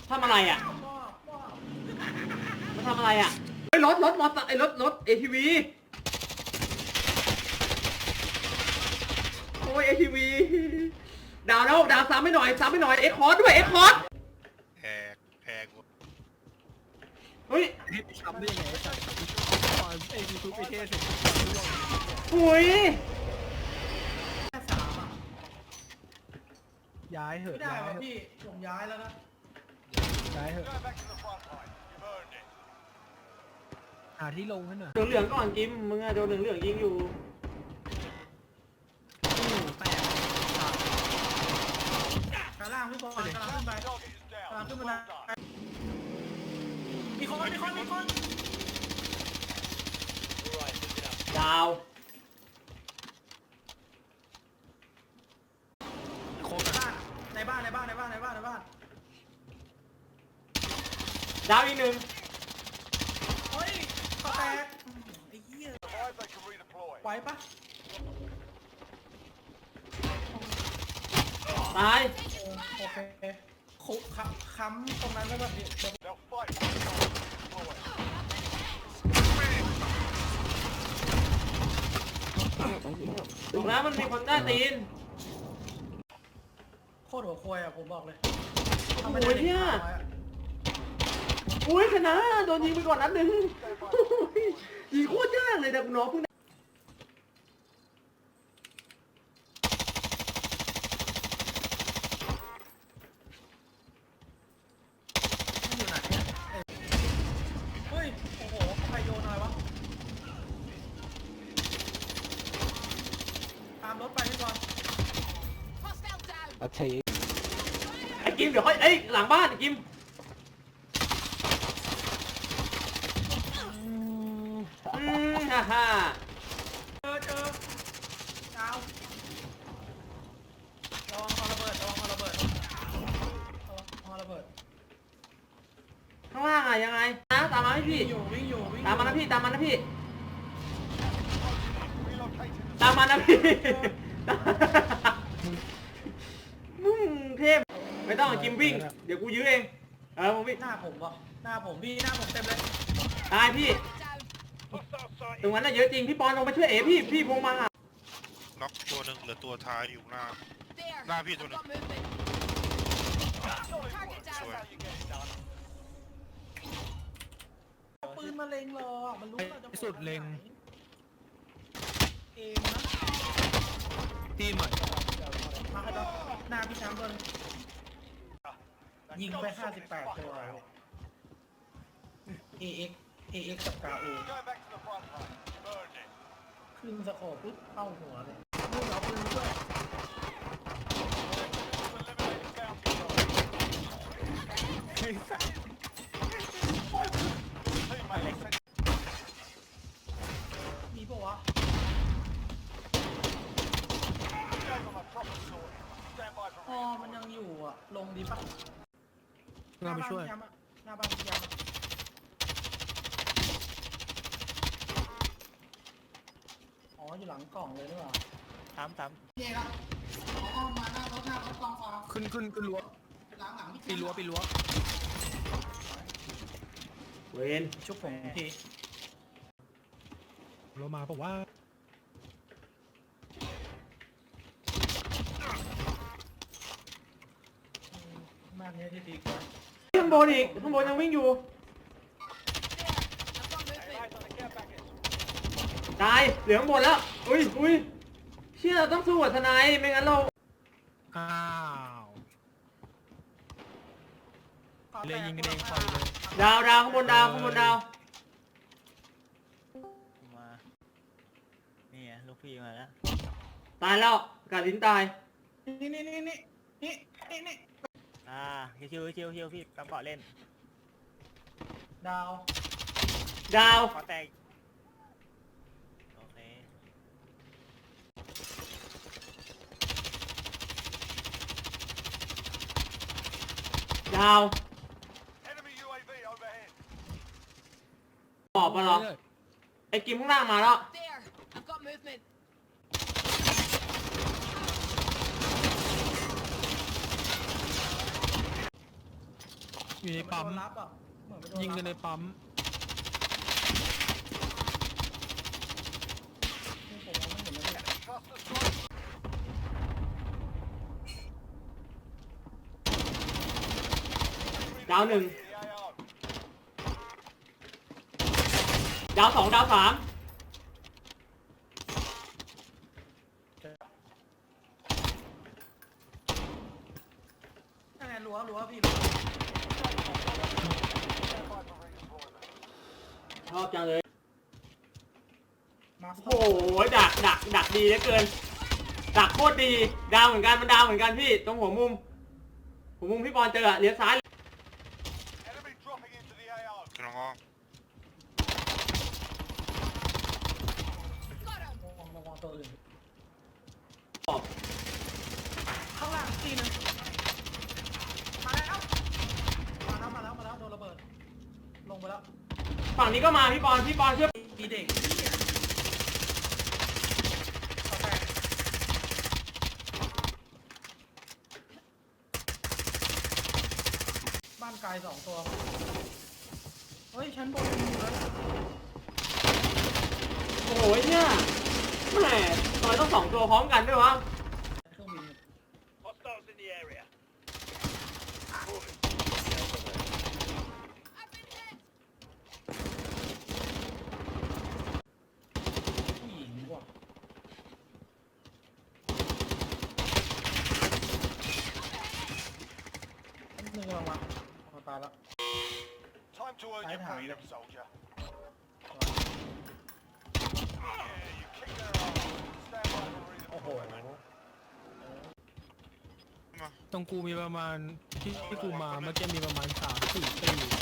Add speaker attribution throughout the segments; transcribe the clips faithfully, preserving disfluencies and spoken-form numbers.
Speaker 1: ทำอะไรอ่ะมันทำอะไรอ่ะไอ้รถรถมอเตอร์ไอ้รถรถ เอ ที วี โอ้ย เอ ที วี ดาวแล้วดาวซ้ำไม่หน่อยซ้ำไม่หน่อยเอ็กคอร์ดด้วยเอ็กคอร์ด
Speaker 2: แพงแพงหมด
Speaker 1: เฮ้ย
Speaker 3: ทำได้ยังไงไอ้สัตว์ตอนไอ้ยูทูบไอเทสเสร็จ
Speaker 1: หุย
Speaker 3: ย้ายเหอะ
Speaker 4: ไม่ได้
Speaker 3: ย้าย
Speaker 4: ว่ะ
Speaker 3: เหอะ
Speaker 4: พี่ผมย้ายแล้วนะ
Speaker 3: ย้ายเหอะหาที่ลงให้หน่อย
Speaker 1: เหลืองเหลืองก่อนกิมมึงอะโดนเหลืองเหลืองยิงอยู่
Speaker 3: แปด
Speaker 4: กระล่างพี่บอลกระล่างขึ้นไปกระล่างขึ้นมาได้มีคนมีคนมีคน
Speaker 1: ดาว
Speaker 3: โคตร
Speaker 4: ในบ้านในบ้านในบ้านในบ้านในบ้าน
Speaker 1: ดาวอีกหนึ่ง
Speaker 4: เฮ้ยขอแตกไอ้เหี้ยไหวปะ
Speaker 1: ตาย
Speaker 4: โอเคคุกค้ำค้ำตรงนั้นแล้วแบบนี้
Speaker 1: ถึงแล้วมันมีคนใต้ตีน
Speaker 4: โคตรหัวควยอ่ะผมบอกเลย
Speaker 1: โอ้ยเนี่ยอุ้ยชนะโดนยิงไปก่อนนัดหนึ่งยิงโคตรยากเลยแต่กูน้องเพิ่ง
Speaker 4: อยู่ไหนเฮ้ยโอ้โหใครโยนอะไรวะตามรถไปพี่บอล
Speaker 3: โอเค
Speaker 1: ไอ้กิมเดี๋ยวค่อยเอ้ยหลังบ้านไอ้กิมอืมฮ่าฮ่า
Speaker 4: เจอเจอดาวระวังคอระเบิดระวังคอระเบิดระวังคอระเบิด
Speaker 1: ข้างล่างอะยังไงนะตามมาให้พี่
Speaker 4: วิ่งอยู่วิ่งอยู่วิ่งอยู่
Speaker 1: ตามมานะพี่ตามมานะพี่ตามมานะพี่มึงเทพไม่ต้องกิมวิ่งเดี๋ยวกูยื้อเองเออมึงวิ่ง
Speaker 4: หน้าผมวะหน้าผมพี่หน้าผมเต็มเลย
Speaker 1: ตายพี่ตรงนั้นน่ะเยอะจริงพี่ปอนลงมาช่วยเอ๋พี่พี่พงมา
Speaker 2: น็อกตัวหนึ่งเหลือตัวท้ายอยู่หน้าหน้าพี่ตัวหนึ่งสวย
Speaker 4: เอาปืนมาเล็งรอมันรู้เราจะ
Speaker 3: ที่สุดเล็ง
Speaker 4: เองนะ
Speaker 3: ทีมใหม่
Speaker 4: มาให้เราหน้าพี่ช้างตัวนึงยิงไปห้าสิบแปดตัว เอ เอ็กซ์ เอ เอ็กซ์ กับกาโอขึ้นสโคปปุ๊บเข้าหัวเลยนู่นเอาปืนมาด้วยมีปะวะอ๋อมันยังอยู่อ่ะ ลงดีปะ
Speaker 3: เราไปช่วย
Speaker 4: หน้าบ้านพี่ยามอ๋อ อยู่หลังกล่องเลยหรือเปล่า
Speaker 3: ถามถาม
Speaker 4: เย่ละอ๋อมาหน้ารถหน้ารถกองฟ้า
Speaker 3: ขึ้นขึ้นขึ้นรั้ว
Speaker 4: หลังหลัง
Speaker 3: ปีรั้วปีรั้ว
Speaker 1: เวน
Speaker 4: ชุบผมที
Speaker 3: เรามาบอกว่า
Speaker 4: มากเนี้ยที่ดีกว่า
Speaker 1: ข้างบนอีกข้างบนยังวิ่งอยู่ตายเหลืองหมดแล้วอุ้ยอุ้ยเชี่ยเราต้องสู้กับทนายไม่งั้นเรา
Speaker 3: อ้าวเลยยิงกันเองปล่อยเลย
Speaker 1: ดาวดาวข้างบนดาวข้างบนดาว
Speaker 5: มานี่ไงลูกพี่มาแล้ว
Speaker 1: ตายแล้วกาลินตาย
Speaker 4: นี่นี่นี่นี่นี่นี่นี่
Speaker 5: อ่าชิวชิวชิวพี่กำเกาะเล่น
Speaker 4: ดาว
Speaker 1: ดาว
Speaker 5: ขอแตกโอเค
Speaker 1: ดาวตอบมาเหรอไอ้กิมข้างล่างมาแล้ว
Speaker 6: There, I've got movement.
Speaker 1: ม
Speaker 3: อยู่ในปั๊ม
Speaker 4: โดนรับอ่ะเหมือนไปโดน
Speaker 3: ยิงกันในปั๊ม
Speaker 4: นี่ผมมองไม่เห็นเลยเนี่ย
Speaker 1: ดาวหนึ่งดาวสองดาวสาม
Speaker 4: นั่นไงรั้วรั้วพี่
Speaker 1: ชอบจังเลย
Speaker 4: มาส
Speaker 1: โอ้โหดักดักดักดีเหลือเกิน ดักโคตรดีดาวเหมือนกันมันดาวเหมือนกันพี่ตรงหัวมุมหัวมุมพี่บอลเจออะเลี้ยวซ้าย
Speaker 2: กระงอ
Speaker 4: ระวังระวังตัวอื่น
Speaker 1: ออก
Speaker 4: ข้างล่างตีหนึงมาแล้วมาแล้วมาแล้วมาแล้วโดนระเบิดลงไปแล้ว
Speaker 1: ฝั่งนี้ก็มาพี่บอลพี่บอลเชื่อ
Speaker 4: มีเด็กเนี่ยกาแฟบ้านไกลสองตัวเฮ้ยชั้นบนมีอยู่แล้วนะ
Speaker 1: โอ้โหเนี่ยแหมทำไมต้องสองตัวพร้อมกันด้วยวะ
Speaker 4: เครื่องบิน ผู้หญิงว่ะอันนึงลงมาพอตายแล้ว
Speaker 6: Time to earn your
Speaker 4: Phải thẳng
Speaker 6: freedom,
Speaker 4: rồi.
Speaker 6: soldier. Yeah, you kick their ass. Stand by for
Speaker 4: โอ้โห
Speaker 6: redeployment.
Speaker 2: มา
Speaker 3: ตรงกูมีประมาณที่ที่กูมาเมื่อกี้มีประมาณสามสี่ตี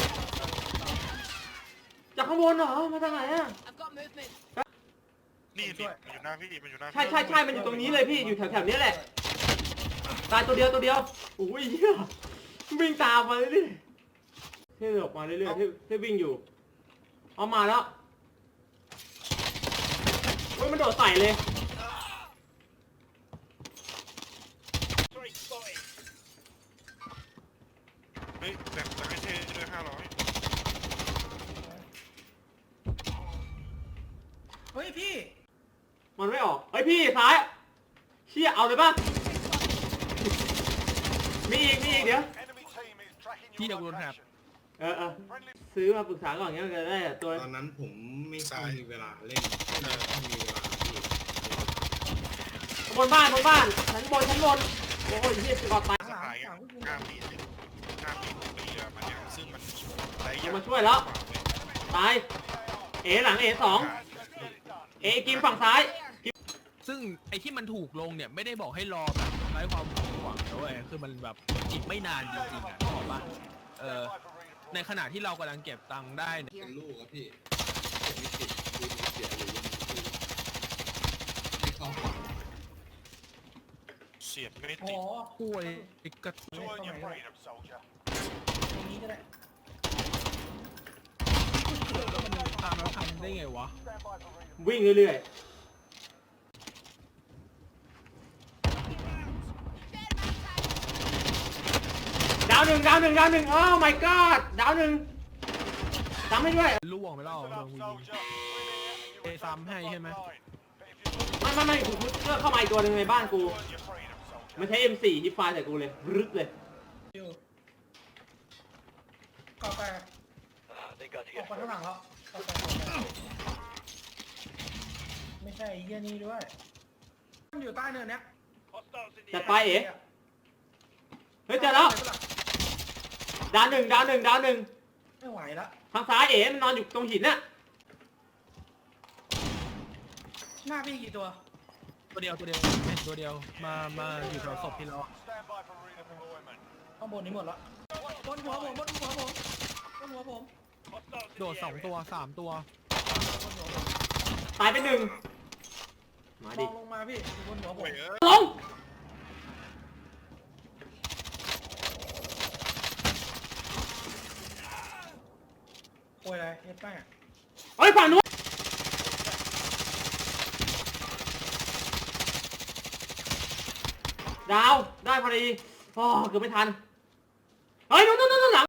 Speaker 1: จากข้างบนเหรอมาจากไหนอะ
Speaker 7: I've got movement.
Speaker 2: นี่นี่มันอยู่หน้าพี่มันอยู่หน้าพี่
Speaker 1: ใช่ใช่ใช่มันอยู่ตรงนี้เลยพี่อยู่แถวแถวๆนี้แหละตายตัวเดียวตัวเดียวโอ้ยเหี้ยวิ่งตามมาเลยดิเท่ออกมาเรื่อยๆเท่เท่วิ่งอยู่เอามาแล้วเฮ้ยมันโดดใส่เลย
Speaker 2: เฮ้ยแบ่งแบ่งให้เท่ด้วยห้าร้อย
Speaker 4: เฮ้ยพี่
Speaker 1: มันไม่ออกเฮ้ยพี่ซ้ายเชี่ยเอาเลยป่ะมีอีกมีอีกเดี๋ยว
Speaker 6: Enemy team is tracking
Speaker 3: พี่
Speaker 6: your
Speaker 3: เดี๋ยวกูโดนแท็บ
Speaker 6: location.
Speaker 1: เออเออ
Speaker 6: Friendly
Speaker 1: ซื้อมาปรึกษาก่อนเงี้ยมันจะได้ตัว
Speaker 8: ตอนนั้นผมไม่ค่อยมีเวลาเล่นไม่ค่อยมีเวลาที่
Speaker 1: บนบ้านบนบ้านชั้นบนชั้นบนโอ้ยเฮียสกอตตาย
Speaker 2: สหายกันห้าปีห้าปีหกปีอะมันเนี่ยซึ่งมันหลายอ
Speaker 1: มั
Speaker 2: ย่าน ง
Speaker 1: มาช่วยแล้วตายเอหลังเอสองเอกิมฝั่งซ้าย
Speaker 3: ซึ่งไอ้ที่มันถูกลงเนี่ยไม่ได้บอกให้รอแบบไร้ความหวังนะเว้ยคือมันแบบอีกไม่นานจริงๆอ่ะบอกป่ะเออ
Speaker 6: stand by for redeployment.
Speaker 3: ในขณะที่เรากำลังเก็บตังค์ได้เนี่ย
Speaker 8: เป็นลูกครับพี่เก็บไม่ติดดูมีเสียหรือยังคือให้เข้าฝัน
Speaker 2: เสียบไม่
Speaker 4: โอ้
Speaker 2: ติด
Speaker 3: ป่วยกระ
Speaker 6: To earn your freedom, soldier.
Speaker 4: ตรงนี้ก็ได้
Speaker 3: มันตามแล้วทำได้ไงวะ
Speaker 6: Stand by for redeployment.
Speaker 1: วิ่งเรื่อยๆดาวหนึ่งดาวหนึ่งดาวหนึ่งโอ้ my god ดาวหนึ่งจำให้ด้วย
Speaker 3: ล่วงไปแล้ว
Speaker 6: Listen
Speaker 3: โด
Speaker 6: up,
Speaker 3: นกูยิง
Speaker 6: soldier. We're here and you
Speaker 3: Ê,
Speaker 6: return to
Speaker 3: Sam
Speaker 6: the
Speaker 3: hay
Speaker 6: front
Speaker 3: hay mà.
Speaker 6: line. But if you
Speaker 1: ไม่ไม่ไม่กูเลือกเข้ามาอีกตัวหนึ่งในบ้านกู
Speaker 6: to earn your freedom, soldier.
Speaker 1: มันใช้ เอ็ม โฟร์ ฮิปไฟใส่กูเลยรึกเลย
Speaker 4: อยู่กาแฟออกไปข้างหลังแล้วกาแฟไม่ใช่ไอ้เหี้ยนี่ด้วยมันอยู่ใต้เนินเนี้ย
Speaker 1: จัดไปเอ๋เฮ้ยเจอแล้วดาวหนึ่งดาวหนึ่งดาวหนึ่ง
Speaker 4: ไม่ไหวละ
Speaker 1: ทางซ้ายเอ๋มันนอนอยู่ตรงหินน่ะ
Speaker 4: หน้าพี่กี่ตัว
Speaker 3: ตัวเดียวตัวเดียวเห็นตัวเดียวมามาอยู่แถวศพที่เรา
Speaker 6: Stand by for redeployment.
Speaker 4: ข้างบนนี้หมดละบนหัวผมบนหัวผมบนหัวผม
Speaker 3: โดดสองตัวสามตัว
Speaker 4: บนหัวผม
Speaker 1: ตายไปหนึ่งมา
Speaker 4: ล
Speaker 1: ดิ
Speaker 4: องลงมาพี่อยู่บนหัวผ
Speaker 2: โอ้
Speaker 4: ม
Speaker 2: ยเอ้ย
Speaker 1: ลง
Speaker 4: โวยอะไรเอ็ดแป้ง
Speaker 1: เฮ้ยฝั่งนู้นดาวได้พอดีอ๋อเกือบไม่ทัน